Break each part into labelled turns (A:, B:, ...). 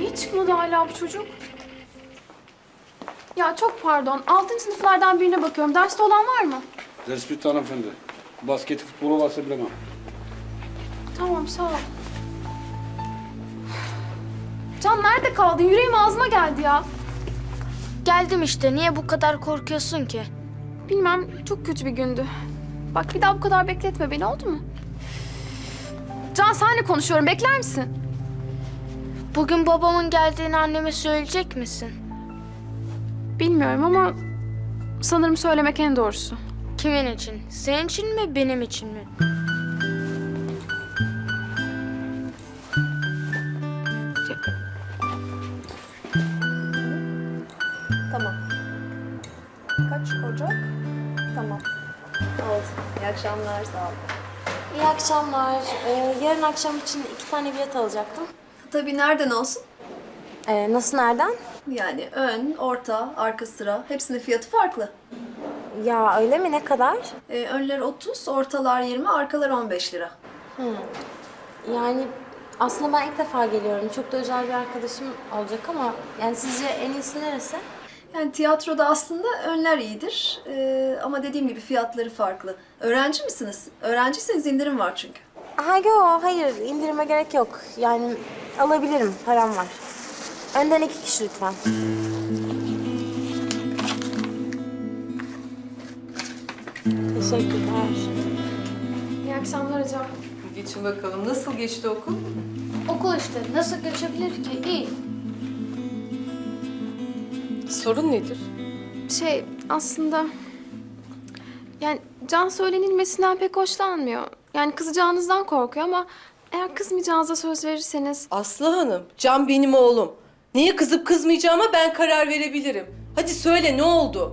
A: Niye çıkmadı hala bu çocuk? Ya çok pardon. 6. sınıflardan birine bakıyorum. Derste olan var mı?
B: Ders bitti hanımefendi. Basketi, futbolu varsa bilemem.
A: Tamam, sağ ol. Can nerede kaldın? Yüreğim ağzıma geldi ya.
C: Geldim işte. Niye bu kadar korkuyorsun ki?
A: Bilmem, çok kötü bir gündü. Bak bir daha bu kadar bekletme beni, oldu mu? Can senle konuşuyorum. Bekler misin?
C: Bugün babamın geldiğini anneme söyleyecek misin?
A: Bilmiyorum ama sanırım söylemek en doğrusu.
C: Kimin için? Senin için mi, benim için mi?
D: Tamam. Kaç Ocak? Tamam. Oldu. İyi akşamlar, sağ olun.
E: İyi akşamlar. Yarın akşam için 2 tane bilet alacaktım.
D: Tabii nereden olsun?
E: Nasıl nereden?
D: Yani ön, orta, arka sıra hepsinin fiyatı farklı.
E: Ya öyle mi? Ne kadar?
D: Önler 30, ortalar 20, arkalar 15 lira.
E: Yani aslında ben ilk defa geliyorum. Çok da özel bir arkadaşım olacak ama yani sizce en iyisi neresi?
D: Yani tiyatroda aslında önler iyidir. Ama dediğim gibi fiyatları farklı. Öğrenci misiniz? Öğrenciyseniz indirim var çünkü.
E: Hayır indirime gerek yok. Yani alabilirim, param var. Önden 2 kişi lütfen. Teşekkürler.
A: İyi akşamlar hocam.
F: Geçin bakalım. Nasıl geçti okul?
C: Okul işte. Nasıl geçebilir ki? İyi.
F: Sorun nedir?
A: Aslında... Yani Can söylenilmesinden pek hoşlanmıyor. Yani kızacağınızdan korkuyor ama... Eğer kızmayacağınıza söz verirseniz...
F: Aslı Hanım, Can benim oğlum. Neye kızıp kızmayacağıma ben karar verebilirim. Hadi söyle, ne oldu?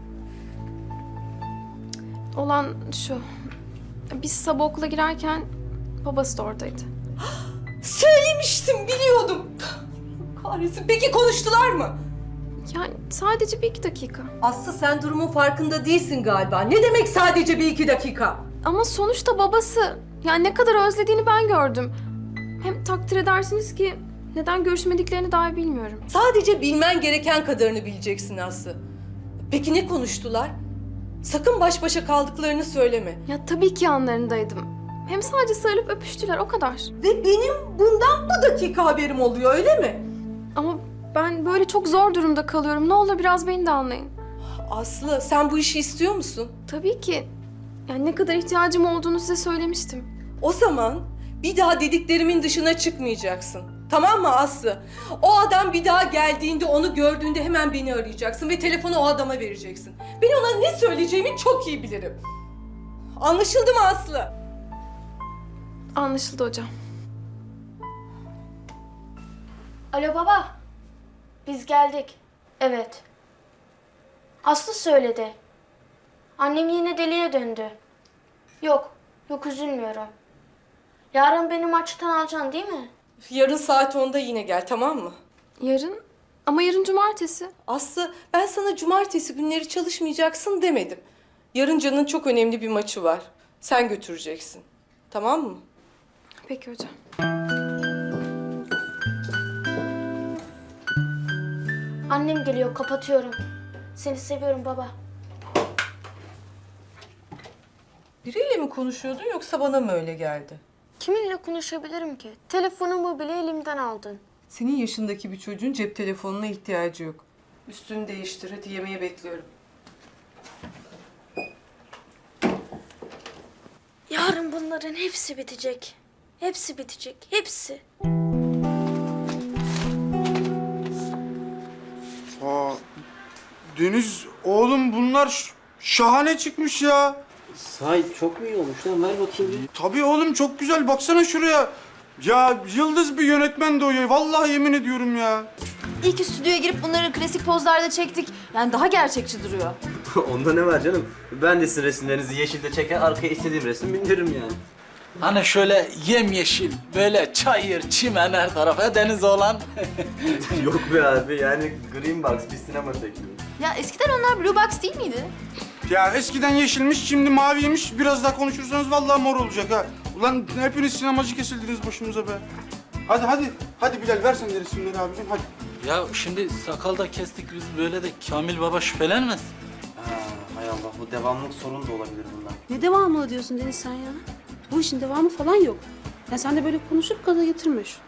A: Olan şu... Biz sabah okula girerken babası da oradaydı.
F: Söylemiştim, biliyordum. Kahretsin. Peki konuştular mı?
A: Yani sadece 1-2 dakika.
F: Aslı, sen durumun farkında değilsin galiba. Ne demek sadece 1-2 dakika?
A: Ama sonuçta babası. Yani ne kadar özlediğini ben gördüm. Hem takdir edersiniz ki neden görüşmediklerini dahi bilmiyorum.
F: Sadece bilmen gereken kadarını bileceksin Aslı. Peki ne konuştular? Sakın baş başa kaldıklarını söyleme.
A: Ya tabii ki yanlarındaydım. Hem sadece sarılıp öpüştüler, o kadar.
F: Ve benim bundan bu dakika haberim oluyor, öyle mi?
A: Ama ben böyle çok zor durumda kalıyorum. Ne olur biraz beni de anlayın.
F: Aslı, sen bu işi istiyor musun?
A: Tabii ki. Yani ne kadar ihtiyacım olduğunu size söylemiştim.
F: O zaman bir daha dediklerimin dışına çıkmayacaksın. Tamam mı Aslı? O adam bir daha geldiğinde, onu gördüğünde hemen beni arayacaksın ve telefonu o adama vereceksin. Ben ona ne söyleyeceğimi çok iyi bilirim. Anlaşıldı mı Aslı?
A: Anlaşıldı hocam.
C: Alo baba. Biz geldik. Evet. Aslı söyledi. Annem yine deliye döndü. Yok üzülmüyorum. Yarın beni maçtan alacaksın değil mi?
F: Yarın saat 10'da yine gel, tamam mı?
A: Yarın? Ama yarın cumartesi.
F: Aslı, ben sana cumartesi günleri çalışmayacaksın demedim. Yarın Can'ın çok önemli bir maçı var. Sen götüreceksin. Tamam mı?
A: Peki hocam.
C: Annem geliyor, kapatıyorum. Seni seviyorum baba.
F: Biriyle mi konuşuyordun yoksa bana mı öyle geldi?
C: Kiminle konuşabilirim ki? Telefonumu bile elimden aldın.
F: Senin yaşındaki bir çocuğun cep telefonuna ihtiyacı yok. Üstünü değiştir, hadi yemeğe bekliyorum.
C: Yarın bunların hepsi bitecek. Hepsi bitecek, hepsi.
G: Aa, Deniz oğlum bunlar şahane çıkmış ya.
H: Sahi çok mu iyi olmuş lan? Ver bakayım bir.
G: Tabii oğlum çok güzel baksana şuraya. Ya yıldız bir yönetmen de o ya. Vallahi yemin ediyorum ya.
I: İyi ki stüdyoya girip bunları klasik pozlarda çektik. Yani daha gerçekçi duruyor.
H: Onda ne var canım? Ben de sizin resimlerinizi yeşilde çeker, arkaya istediğim resim bindiririm yani.
J: Hani şöyle yemyeşil, böyle çayır, çimen her tarafa deniz olan.
H: Yok be abi, yani Green Box bir sinema teklifi.
I: Ya eskiden onlar Blue Box değil miydi?
G: Ya eskiden yeşilmiş şimdi maviymiş. Biraz daha konuşursanız vallahi mor olacak ha. Ulan hepiniz sinemacı kesildiniz başımıza be. Hadi hadi. Hadi Bilal ver sen de resimleri abicim hadi.
J: Ya şimdi sakal da kestik biz böyle de Kamil Baba şüphelenmez.
H: Hay Allah, bu devamlılık sorunu da olabilir bundan.
K: Ne devamlı diyorsun Deniz sen ya? Bu işin devamı falan yok. Ya sen de böyle konuşup gaza getirme şu.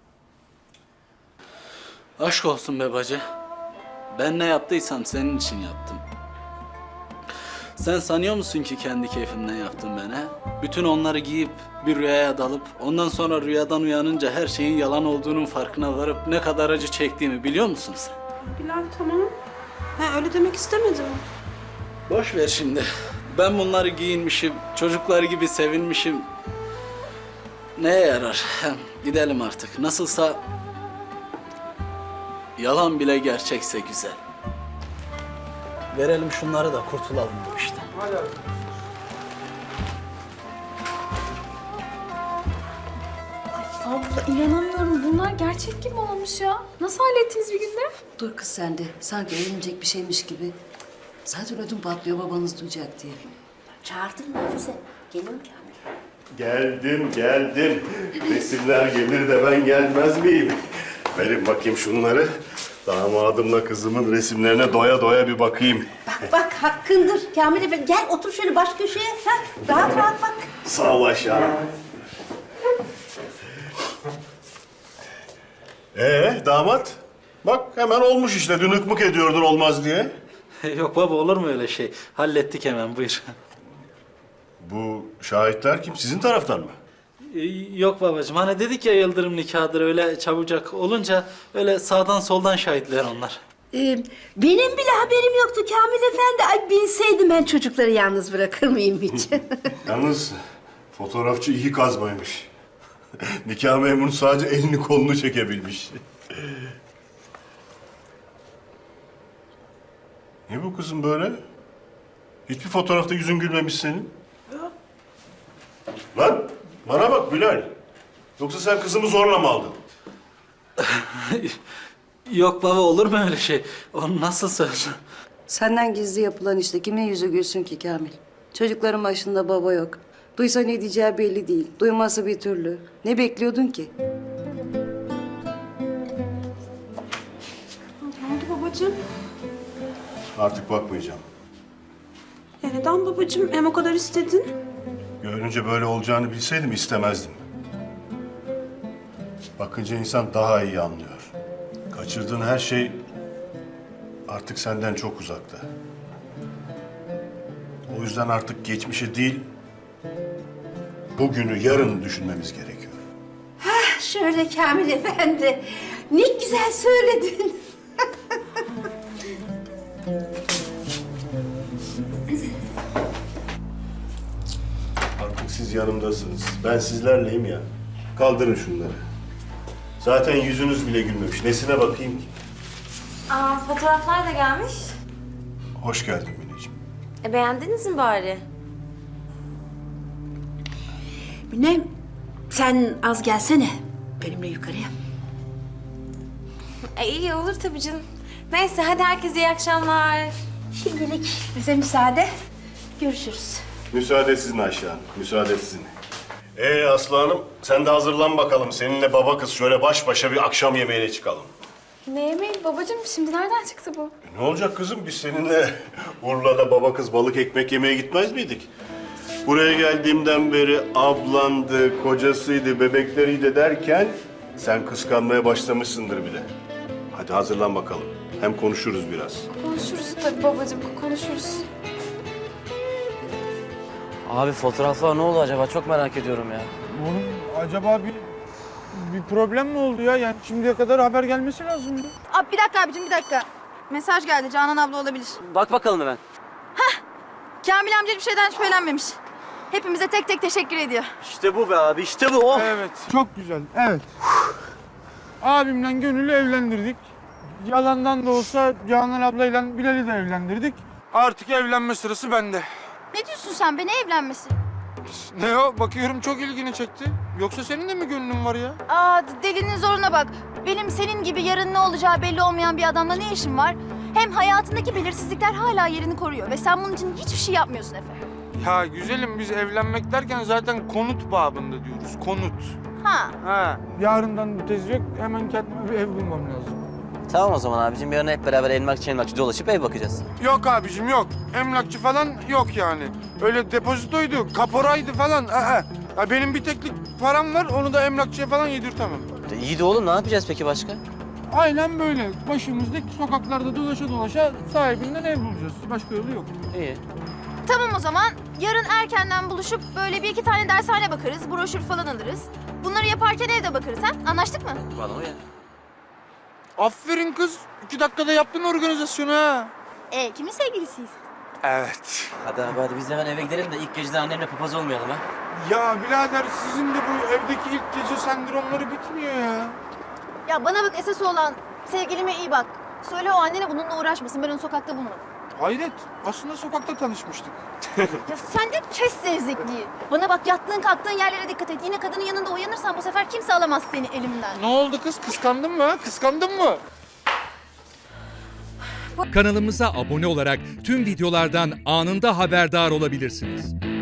J: Aşk olsun be bacı. Ben ne yaptıysam senin için yaptım. Sen sanıyor musun ki kendi keyfimden yaptım ben ha? Bütün onları giyip bir rüyaya dalıp ondan sonra rüyadan uyanınca her şeyin yalan olduğunun farkına varıp ne kadar acı çektiğimi biliyor musun sen?
K: Bilal tamam. Ha öyle demek istemedim.
J: Boş ver şimdi. Ben bunları giyinmişim, çocuklar gibi sevinmişim. Neye yarar? Hem gidelim artık. Nasılsa yalan bile gerçekse güzel. Verelim şunları da kurtulalım bu işten.
A: Abla inanamıyorum. Bunlar gerçek gibi olmuş ya. Nasıl hallettiniz bir günde?
L: Dur kız sen de. Sanki eğlenecek bir şeymiş gibi. Zaten ödüm patlıyor babanız duyacak diye.
C: Çağırdın mı Hafize? Geliyorum Kamil.
M: Geldim. Resimler gelir de ben gelmez miyim? Verin bakayım şunları. Damadımla kızımın resimlerine doya doya bir bakayım.
L: Bak hakkındır Kamil Efendi. Gel otur şöyle baş köşeye. Ha, rahat rahat bak.
M: Sağ ol Ayşe Hanım. Damat? Bak hemen olmuş işte. Dün hıkmık ediyordun olmaz diye.
J: Yok baba olur mu öyle şey? Hallettik hemen buyur.
M: Bu şahitler kim? Sizin taraftan mı?
J: Yok babacığım hani dedik ya yıldırım nikahıdır öyle çabucak olunca öyle sağdan soldan şahitler onlar.
L: Benim bile haberim yoktu Kamil Efendi. Ay bilseydim ben çocukları yalnız bırakır mıyım hiç?
M: Yalnız fotoğrafçı iyi kazmaymış. Nikah memuru sadece elini kolunu çekebilmiş. Ne bu kızım böyle? Hiçbir fotoğrafta yüzün gülmemiş senin. Lan bana bak Bilal. Yoksa sen kızımı zorla mı aldın?
J: Yok baba olur mu öyle şey? O nasıl söz?
L: Senden gizli yapılan işte kimin yüzü gülsün ki Kamil? Çocukların başında baba yok. Duysa ne diyeceği belli değil. Duyması bir türlü. Ne bekliyordun ki?
K: Ne oldu babacığım?
M: Artık bakmayacağım.
K: Neden babacığım? Hem o kadar istedin.
M: Görünce böyle olacağını bilseydim istemezdim. Bakınca insan daha iyi anlıyor. Kaçırdığın her şey artık senden çok uzakta. O yüzden artık geçmişi değil, bugünü, yarını düşünmemiz gerekiyor.
L: Şöyle Kamil Efendi. Ne güzel söyledin.
M: Artık siz yanımdasınız. Ben sizlerleyim ya. Kaldırın şunları. Zaten yüzünüz bile gülmemiş. Nesine bakayım ki?
E: Aa, fotoğraflar da gelmiş.
M: Hoş geldin Mineciğim.
E: Beğendiniz mi bari?
L: Mine, sen az gelsene benimle yukarıya.
E: İyi olur tabii canım. Neyse hadi herkese iyi akşamlar.
L: Şimdilik bize müsaade. Görüşürüz.
M: Müsaade sizin Ayşe Hanım. Müsaade sizin. Aslı Hanım, sen de hazırlan bakalım. Seninle baba kız şöyle baş başa bir akşam yemeğine çıkalım.
A: Ne yemeği babacığım? Şimdi nereden çıktı bu?
M: Ne olacak kızım? Biz seninle Urla'da baba kız balık ekmek yemeye gitmez miydik? Buraya geldiğimden beri ablandı, kocasıydı, bebekleriydi derken sen kıskanmaya başlamışsındır bile. Hadi hazırlan bakalım. Hem konuşuruz biraz.
A: Konuşuruz tabii babacığım, konuşuruz.
H: Abi fotoğraflar ne oldu acaba? Çok merak ediyorum ya.
G: Oğlum acaba bir problem mi oldu ya? Yani şimdiye kadar haber gelmesi lazımdı.
I: Abi bir dakika abicim bir dakika. Mesaj geldi Canan abla olabilir.
H: Bak bakalım hemen.
I: Kamil amca bir şeyden şüphelenmemiş. Hepimize tek tek teşekkür ediyor.
H: İşte bu be abi, işte bu. Oh.
G: Evet, çok güzel. Evet. Abimle Gönül'ü evlendirdik. Yalandan da olsa Canan ablayla Bilal'i de evlendirdik. Artık evlenme sırası bende.
I: Ne diyorsun sen be, ne evlenmesi?
G: Ne o? Bakıyorum çok ilgini çekti. Yoksa senin de mi gönlün var ya?
I: Aa delinin zoruna bak. Benim senin gibi yarın ne olacağı belli olmayan bir adamla ne işim var? Hem hayatındaki belirsizlikler hala yerini koruyor ve sen bunun için hiçbir şey yapmıyorsun Efe.
G: Ya güzelim biz evlenmek derken zaten konut babında diyoruz. Konut.
I: Ha.
G: Ha. Yarından tez yok. Hemen kendime bir ev bulmam lazım.
H: Tamam o zaman abicim, yarın hep beraber emlakçı dolaşıp ev bakacağız.
G: Yok abicim yok. Emlakçı falan yok yani. Öyle depozitoydu, kaporaydı falan. Ya benim bir teklik param var. Onu da emlakçıya falan yedirtemem.
H: İyi de oğlum, ne yapacağız peki başka?
G: Aynen böyle. Başımızdaki sokaklarda dolaşa dolaşa sahibinden ev bulacağız. Başka yolu yok.
H: İyi.
I: Tamam o zaman. Yarın erkenden buluşup böyle bir iki tane dershane bakarız. Broşür falan alırız. Bunları yaparken evde bakarız ha? Anlaştık mı?
H: Bana uyar.
G: Aferin kız. 2 dakikada yaptın organizasyonu ha.
I: Kimin sevgilisiyiz?
G: Evet.
H: Hadi abi, hadi biz hemen eve gidelim de ilk geceden annemle papaz olmayalım ha.
G: Ya birader sizin de bu evdeki ilk gece sendromları bitmiyor ya.
I: Ya bana bak, esas olan sevgilime iyi bak. Söyle o annene bununla uğraşmasın. Ben onu sokakta bulmadım.
G: Hayret. Aslında sokakta tanışmıştık.
I: Ya sen de kes zevzekliği. Bana bak, yattığın kalktığın yerlere dikkat et. Yine kadının yanında uyanırsan bu sefer kimse alamaz seni elimden.
G: Ne oldu kız? Kıskandın mı ha? Kıskandın mı?
N: Kanalımıza abone olarak tüm videolardan anında haberdar olabilirsiniz.